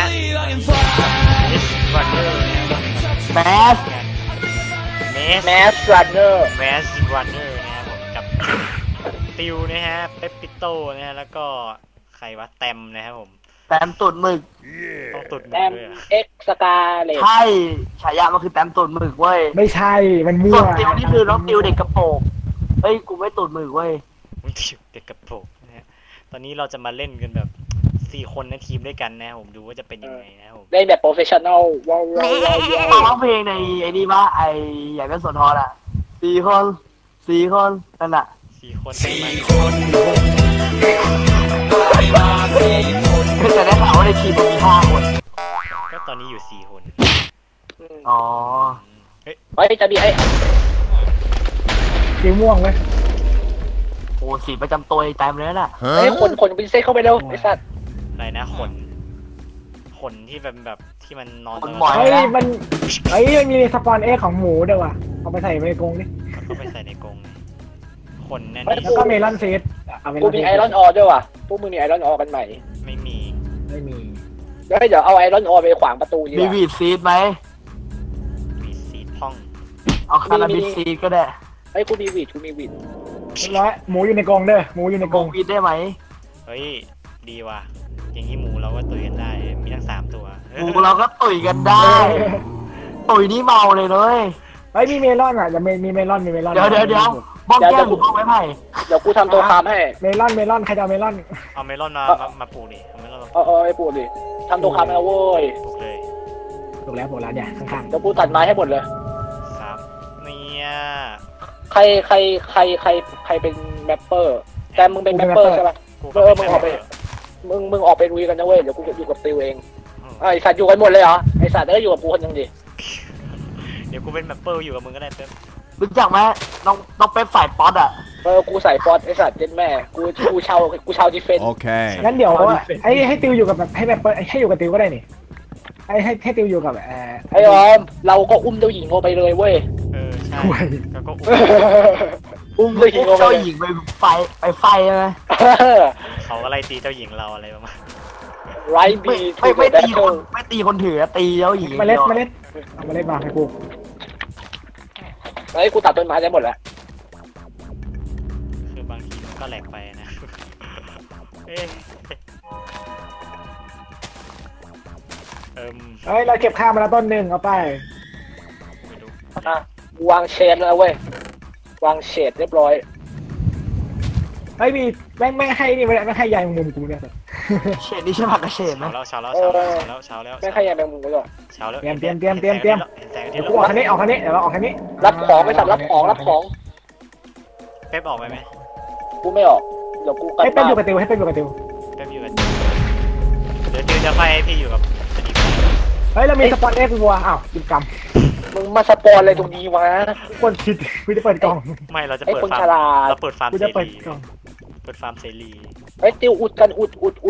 รันเนอร์แมสรันเนอร์รันเนอร์นะครับผมกับติวนะฮะเปปปิโต้นะฮะแล้วก็ใครวะแตมนะครับผมแตมตูดหมึกต้องตูดหมึกด้วยเอ็กสกาเลใช่ฉายามันคือแตมตูดหมึกเว้ยไม่ใช่มันมั่วติวนี่คือน้องติวเด็กกระโปรงเฮ้ยกูไม่ตูดหมึกเว้ยติวเด็กกระโปรงนะฮะตอนนี้เราจะมาเล่นกันแบบ4 คนในทีมด้วยกันนะผมดูว่าจะเป็นยังไงนะผมเล่นแบบโปรเฟชชั่นอลว้าวร้องเพลงในไอ้นี่ป่ะไอ้อยากเป็นสนทออ่ะ4 คนนั่นแหละ 4 คนแต่ได้ข่าวว่าในทีมมี5 คนก็ตอนนี้อยู่4 คนอ๋อเฮ้ยจะมีไอ้สีม่วงไหมโอ้สีประจำตัวไอ้แตมเลยน่ะไอ้คนพิเศษเข้าไปเร็วไอ้สัตว์อะไรนะขนที่แบบที่มันนอนเฮ้ยมันมีสปอนเอของหมูด้วยว่ะเอาไปใส่ในกรงดิก็ไปใส่ในกรงขนนั่นแล้วก็เมลอนซีดกูมีไอรอนออด้วยว่ะพวกมึงมีไอรอนออกันใหม่ไม่มีเดี๋ยวเอาไอรอนออไปขวางประตูดีมีวีดซีดไหมวีดซีดพ่องเอาคาราบิซีดก็ได้ไอ้กูมีวีดร้อยหมูอยู่ในกรงเด้อหมูอยู่ในกรงวีดได้ไหมเฮ้ยดีว่ะอย่างนี้หมูเราก็ตุยกันได้มีทั้ง3 ตัวหมูเราก็ตุยกันได้ตุยนี่เมาเลยเลยมีเมลอนอ่ะจะมีเมลอนเดี๋ยวบ้องแก้มกูเอาไว้ให้เดี๋ยวกูทำตัวคามให้เมลอนใครจะเอาเมลอนเอาเมลอนมาปลูกดิเอาเมลอนไอ้ปลูกดิทำตัวคามแล้วเว้ยปลูกเลยปลูกแล้วเนี่ยข้างๆเดี๋ยวกูตัดไม้ให้หมดเลยครับเนี่ยใครเป็นแมปเปอร์แต่มึงเป็นแมปเปอร์ใช่ป่ะมึงออกไปมึงออกไปลุยกันนะเว้ยเดี๋ยวกูอยู่กับติวเองไอสัตว์อยู่กันหมดเลยเหรอไอสัตว์ได้อยู่กับกูคนยังดีเดี๋ยวกูเป็นแมปเปอร์อยู่กับมึงก็ได้เป๊ปรู้จักไหมน้องเป๊ปใส่ป๊อตอ่ะกูใส่ป๊อตไอสัตว์เจ็ดแม่กูเช่าดิเฟนโอเคงั้นเดี๋ยวให้ติวอยู่กับแบบให้แมปเปอร์ให้อยู่กับติวก็ได้นี่ให้ติวอยู่กับไอออมเราก็อุ้มเจ้าหญิงไปเลยเว้ยใช่แล้วก็อุ้มเจ้าหญิงไปไฟใช่ไหมเขาก็ไล่ตีเจ้าหญิงเราอะไรประมาณไรบีไม่ตีคนถือตีเจ้าหญิงเมล็ดมาให้กูไอ้กูตัดต้นไม้ได้หมดแล้วคือบางทีมันก็แหลกไปนะเราเก็บข้าวมาแล้วต้นหนึ่งเอาไปวางเชดแล้วเว้ยวางเชดเรียบร้อยมีแม่ให้นี่ไม่ให้ยายมุมกูเนี่ยเชดนี่ใช่ผักกระเฉดไหมเช้าแล้วไม่ให้ยายมุมกูหรอเช้าแล้วเตรียมกูออกคันนี้เดี๋ยวเราออกคันนี้รับของไปสัตว์รับของเป๊ปออกไปไหมกูไม่ออกเดี๋ยวกูให้เป๊ปอยู่กับติวเดี๋ยวติวจะไปพี่อยู่กับเรามีสปอนเอ็กซ์วัวกิจกรรมมึงมาสปอนอะไรตรงนี้วะคนคิดกูจะเปิดกล่องไม่เราจะเปิดฟาร์มเราเปิดฟาร์มเสรีติวอุดกันอุด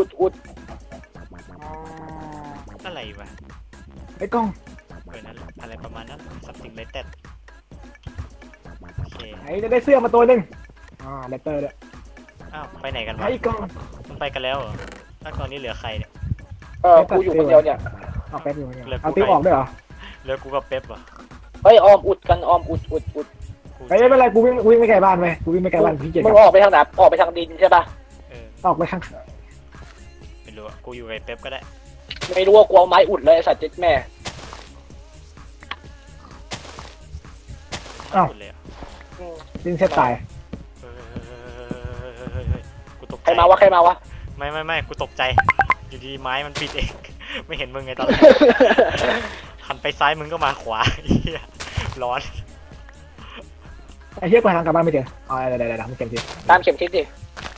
อะไรวะไอ้กล้องนั่นอะไรประมาณนั้นสัมติงเลตเต็ดโอเคจะได้เสื้อมาตัวหนึ่งเลตเตอร์เลยไปไหนกันวะไอ้กล้องมันไปกันแล้วถ้าตอนนี้เหลือใครเนี่ยกูอยู่คนเดียวเนี่ยเอาเป๊ปอยู่เนี่ยเอาติวออกด้วยเหรอเหลือกูกับเป๊ปอ่ะออมอุดกันอุดไม่เป็นไรกูวิ่งไม่ไกลบ้านไปกูวิ่งไม่ไกลบ้านพี่เจ๋งมึงออกไปทางไหนออกไปทางดินใช่ป่ะออกไปทางไม่รู้กูอยู่กับเป๊ปก็ได้ไม่รู้ว่ากูเอาไม้อุดเลยสัตว์เจ็ดแม่ดินเซตตายกูตกใจใครมาวะไม่กูตกใจอยู่ดีไม้มันปิดเองไม่เห็นมึงไงตอนหันไปซ้ายมึงก็มาขวาร้อนไอ้เหี้ยกูหากลับบ้านไม่เจอเดี๋ยวมึงเข็มทิศตามเข็มทิศดิ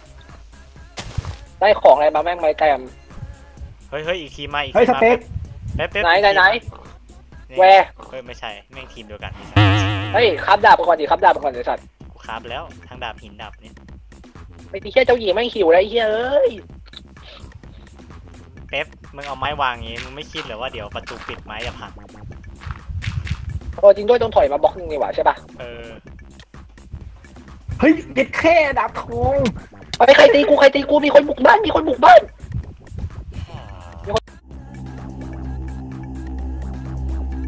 ได้ของอะไรมาแม่งไม้แต้มเฮ้ยอีกทีมาอีกสเต็กไหนแวร์ไม่ใช่แม่งทีมเดียวกันคับดาบไปก่อนดิคับดาบไปก่อนเลยสัตว์กูคับแล้วทางดาบหินดาบเนี่ยไม่ตีแค่เจ้าหญิงแม่งหิวแล้วไอ้เหี้ยเป๊ปมึงเอาไม้วางงี้มึงไม่คิดหรือว่าเดี๋ยวประตูปิดไม้จะพังจริงด้วยต้องถอยมาบล็อกนึงนี่หว่าใช่ป่ะเฮ้ยเด็ดแค่ดาบทองใครตีกูมีคนบุกบ้าน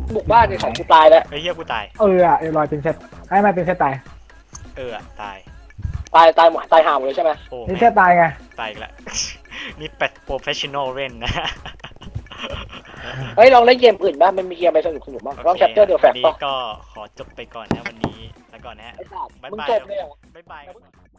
บุกบ้านในของกูตายแล้วไอ้เหี้ยกูตายเรียบร้อยเป็นเซตไอ้ไม่เป็นเซตตายตายตายห่าหมดเลยใช่ไหมโอ้เป็นแม่เซตตายไงตายอีกแล้ว นี่เป็ดโปรเฟชชั่นอลเล่นนะเฮ้ยลองเล่นเกมอื่นบ้างมันมีเกมอะไรสนุกบ้างลองแคปเจอร์เดอะแฟกต์นี้ป่ะก็ขอจบไปก่อนนะวันนี้แล้วก่อนนะฮะไอ้สัตว์บ๊ายมึงบายจบเลยเหรอบ๊ายบาย